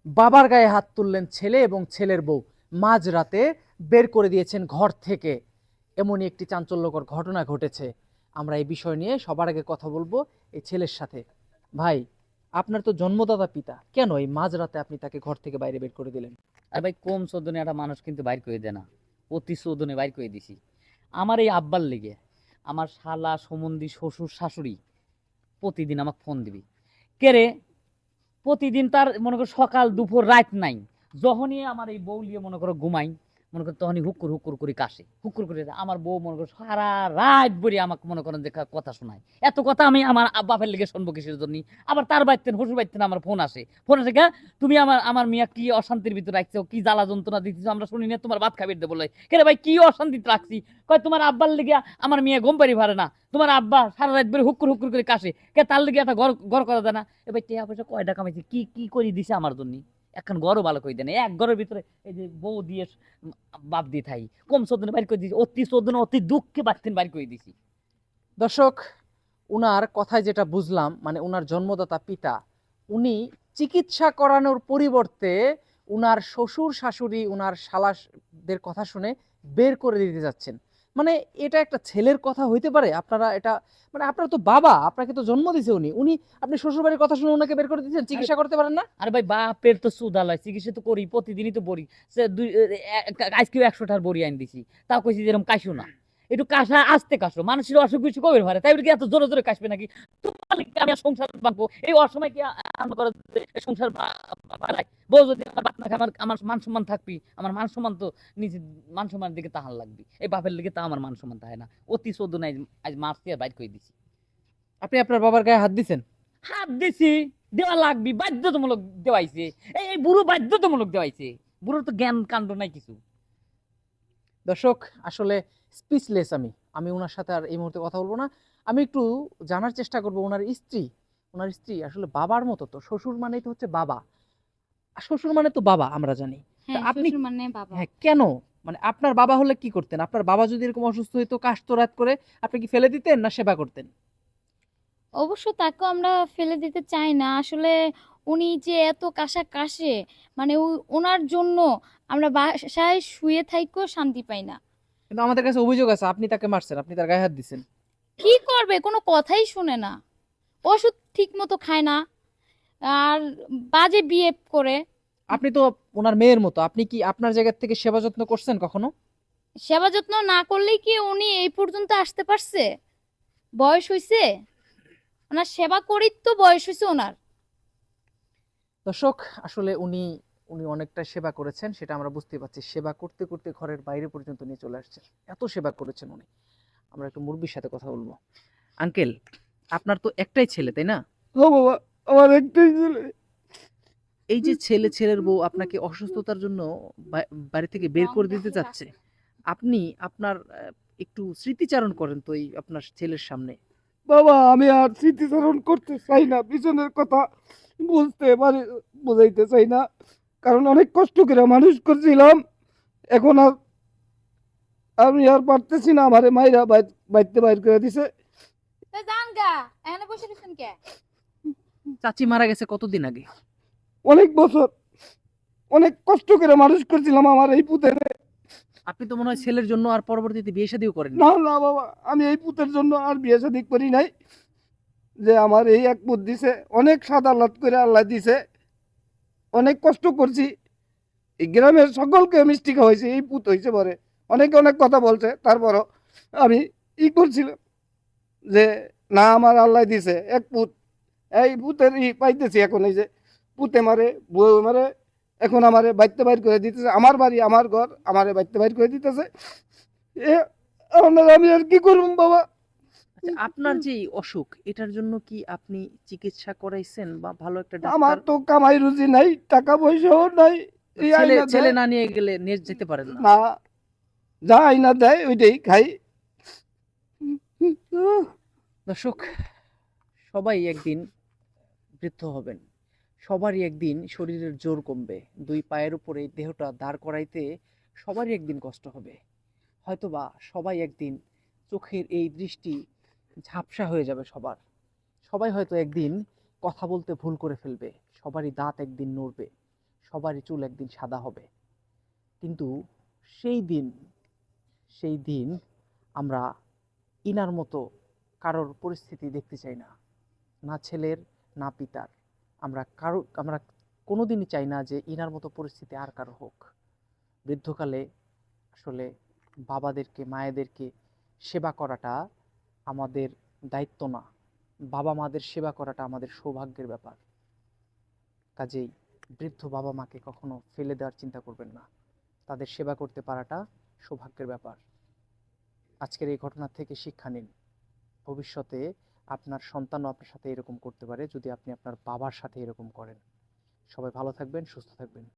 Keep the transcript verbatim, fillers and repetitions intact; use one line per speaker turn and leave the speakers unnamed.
বাবার গায়ে হাত তুললেন ছেলে এবং ছেলের বউ, মাঝরাতে বের করে দিয়েছেন ঘর থেকে। এমনই একটি চাঞ্চল্যকর ঘটনা ঘটেছে। আমরা এই বিষয় নিয়ে সবার আগে কথা বলবো এই ছেলের সাথে। ভাই, আপনার তো জন্মদাতা পিতা, কেন এই মাঝরাতে আপনি তাকে ঘর থেকে বাইরে বের করে দিলেন?
আর ভাই কম চোদনে একটা মানুষ কিন্তু বাইর করে দেয় না, অতি চোদনে বাইর করে দিছি আমার এই আব্বার লেগে। আমার শালা সম্বন্ধী শ্বশুর শাশুড়ি প্রতিদিন আমাকে ফোন দিবি, কে রে, প্রতিদিন তার মনে করো সকাল দুপুর রাত নাই, যখনই আমার এই বউ লিয়ে মনে করো ঘুমাই, মনে করো তখনই হুকুর হুকুর করে কাশে, হুকুর করে আমার বউ মনে করো সারা রাত বলি আমাকে মনে করেন যে কা- কথা শোনায়। এত কথা আমি আমার আব- বাপের লেগে শুনবো কিসের জন্য? আবার তার বাইতেন শ্বশুর বাইতেন আমার ফোন আসে, ফোন আসে গা, তুমি আমার আমার মিয়া কি অশান্তির ভিতর রাখছো, কি জ্বালা যন্ত্রণা দিচ্ছ আমরা শুনি না, তোমার ভাত খাবির দেবো, কে রে ভাই কি অশান্তিতে রাখছি? কয় তোমার আব্বার লেগে আমার মিয়া ঘুম পারি পারে না, তোমার আব্বা সারা রাত বের হুকুর হুকুর করে কাশে, কে তার লেগে একটা ঘর ঘর করা যায় না? এবার টিয়া পয়সা কয়টা কামাইছে, কি কি করে দিছে আমার জন্য? এখন ঘরও ভালো করে দেয় না, এক ঘরের ভিতরে এই যে বউ দিয়ে বাপ দিয়ে থাই, কম চোদ্দনে বাইর করে দিছি, অতি চোদ্দনে অতি দুঃখে বাড়তেন বাইর করে দিছি।
দর্শক, উনার কথায় যেটা বুঝলাম, মানে উনার জন্মদাতা পিতা, উনি চিকিৎসা করানোর পরিবর্তে উনার শ্বশুর শাশুড়ি উনার শালাদের কথা শুনে বের করে দিতে যাচ্ছেন। মানে এটা একটা ছেলের কথা হইতে পারে? আপনারা এটা, মানে আপনার তো বাবা, আপনাকে তো জন্ম দিয়েছে উনি উনি আপনি শ্বশুর বাড়ির কথা শুনে ওনাকে বের করে দিচ্ছেন?
আরে
চিকিৎসা করতে পারেন না?
আরে ভাই বাপের তো সুদালয়, চিকিৎসা তো করি, প্রতিদিনই তো বড়ি, সে দুই এ- এ- আজকেও একশোটার বড়ি আইন দিছি, তাও কইছি যেরকম কাশো না, একটু কাশা আস্তে কাশো, মানুষের অসুখ বিসুখ কবে ভারে, তাই বলে কি এত জোরে জোরে কাশবে নাকি? তোমার কি আমি আর সংসার বাঁধবো এই অসময় কি আ- আরম্ভ করে যে সংসার বা- বাড়াই? বউ যদি আমার বাপ না খায়, আমার আমার মান সম্মান থাকবি, আমার মান সম্মান তো নিজে, মান সম্মানের দিকে তাহার লাগবি, এই বাপের দিকে তা আমার মান সম্মান থাকে না, অতি চোদ্দ নাই, আজ মারছি আর বাইর করে দিছি।
আপনি আপনার বাবার গায়ে হাত দিছেন?
হাত দিছি, দেওয়া লাগবি, বাধ্যতামূলক দেওয়াইছে, এই এই বুড়ো বাধ্যতামূলক দেওয়াইছে, বুড়োর তো জ্ঞান কাণ্ড নাই কিছু।
দর্শক, আসলে স্পিচলেস আমি আমি ওনার সাথে আর এই মুহূর্তে কথা বলবো না। আমি একটু জানার চেষ্টা করব ওনার স্ত্রী, ওনার স্ত্রী আসলে বাবার মতো, তো শ্বশুর মানেই তো হচ্ছে বাবা, আর শ্বশুর মানে তো বাবা আমরা জানি। তা
হ্যাঁ,
আপনি,
শ্বশুর মানে বাবা।
হ্যাঁ কেন, মানে আপনার বাবা হলে কি করতেন? আপনার বাবা যদি এরকম অসুস্থ হইতো কাশতো রাত করে, আপনি কি ফেলে দিতেন না সেবা করতেন?
অবশ্য তাকেও আমরা ফেলে দিতে চাই না আসলে। উনি যে এত কাশা কাশে, মানে উ- ওনার জন্য আমরা বাসায় শুয়ে থাইকেও শান্তি পাই না।
কিন্তু আমাদের কাছে অভিযোগ আছে আপনি তাকে মারছেন, আপনি তার গায়ে হাত দিছেন।
কি করবে, কোনো কথাই শুনে না, ওষুধ ঠিক মতো খায় না, আর বাজে বিহেভ করে।
আপনি তো ওনার মেয়ের মতো, আপনি কি আপনার জায়গা থেকে সেবা যত্ন করছেন কখনো?
সেবা যত্ন না করলেই কি উনি এই পর্যন্ত আসতে পারছে? বয়স হইছে, ওনার সেবা করেই তো বয়স হয়েছে ওনার।
দর্শক, আসলে উনি উনি অনেকটা সেবা করেছেন, সেটা আমরা বুঝতে পারছি। সেবা করতে করতে ঘরের বাইরে পর্যন্ত নিয়ে চলে আসছেন, এত সেবা করেছেন উনি। আমরা একটু মুরব্বির সাথে কথা বলবো। আঙ্কেল, আপনার তো একটাই ছেলে, তাই না?
ও বাবা, আমার একটাই ছেলে।
এই যে ছেলে ছেলের বউ আপনাকে অসুস্থতার জন্য বা- বাড়ি থেকে বের করে দিতে চাচ্ছে, আপনি আপনার আহ, একটু স্মৃতিচারণ করেন তো এই আপনার ছেলের সামনে।
বাবা, আমি আর স্মৃতিচারণ করতে চাই না, পিছনের কথা বুঝতে পারি, বুঝাইতে চাই না, কারণ অনেক কষ্ট করে মানুষ করছিলাম। এখন আর আমি আর পারতেছি না, আমারে মাইরা বাইতে বাইর করে দিছে।
জানগা এখানে বসে রয়েছেন কে?
চাচি মারা গেছে কতদিন আগে?
অনেক বছর অনেক কষ্ট করে মানুষ করছিলাম আমার এই পুতের।
আপনি তো মনে হয় ছেলের জন্য আর পরবর্তীতে বিয়ে শাদীও করেননি।
না না বাবা, আমি এই পুতের জন্য আর বিয়ে শাদী করি নাই। যে আমার এই এক পুত দিছে, অনেক সাদা লাত করে আল্লাহ দিছে, অনেক কষ্ট করছি, এই গ্রামের সকলকে মিষ্টি খাওয়াইছে, এই পুত হয়েছে পরে। অনেকে অনেক কথা বলছে, তারপরও আমি ই করছিলাম যে না, আমার আল্লাহ দিছে এক পুত, এই পুতের ই পাইতেছি এখন। এই যে পুতে মারে, বউ মারে, এখন আমারে বাইতে বাইর করে দিতেছে, আমার বাড়ি আমার ঘর, আমারে বাইতে বাইর করে দিতেছে। এ আপনার আমি আর কি করব বাবা?
আচ্ছা, আপনার যে এই অসুখ, এটার জন্য কি আপনি চিকিৎসা করাইছেন বা ভালো একটা
আমার
ডাক্তার?
তো কামাই রুজি নাই, টাকা পয়সাও নাই। এই
ছেলে
আইনা
ছেলে
দেয়
না নিয়ে গেলে নিয়ে যেতে পারেন না?
না, যা আইনা দেয় ওইটাই খাই।
দর্শক, সবাই একদিন বৃদ্ধ হবেন, সবারই একদিন শরীরের জোর কমবে, দুই পায়ের উপরে এই দেহটা দাঁড় করাইতে সবারই একদিন কষ্ট হবে। হয়তোবা সবাই একদিন চোখের এই দৃষ্টি ঝাপসা হয়ে যাবে সবার। সবাই হয়তো একদিন কথা বলতে ভুল করে ফেলবে, সবারই দাঁত একদিন নড়বে, সবারই চুল একদিন সাদা হবে, কিন্তু সেই দিন সেই দিন আমরা ইনার মতো কারোর পরিস্থিতি দেখতে চাই না, না ছেলের না পিতার। আমরা কারো আমরা কোনোদিনই চাই না যে ইনার মতো পরিস্থিতি আর কারো হোক। বৃদ্ধকালে আসলে বাবাদেরকে মায়েদেরকে সেবা করাটা আমাদের দায়িত্ব না, বাবা মাদের সেবা করাটা আমাদের সৌভাগ্যের ব্যাপার। কাজেই বৃদ্ধ বাবা মাকে কখনো ফেলে দেওয়ার চিন্তা করবেন না, তাদের সেবা করতে পারাটা সৌভাগ্যের ব্যাপার। আজকের এই ঘটনা থেকে শিক্ষা নিন, ভবিষ্যতে আপনার সন্তানও আপনার সাথে এরকম করতে পারে যদি আপনি আপনার বাবার সাথে এরকম করেন। সবাই ভালো থাকবেন, সুস্থ থাকবেন।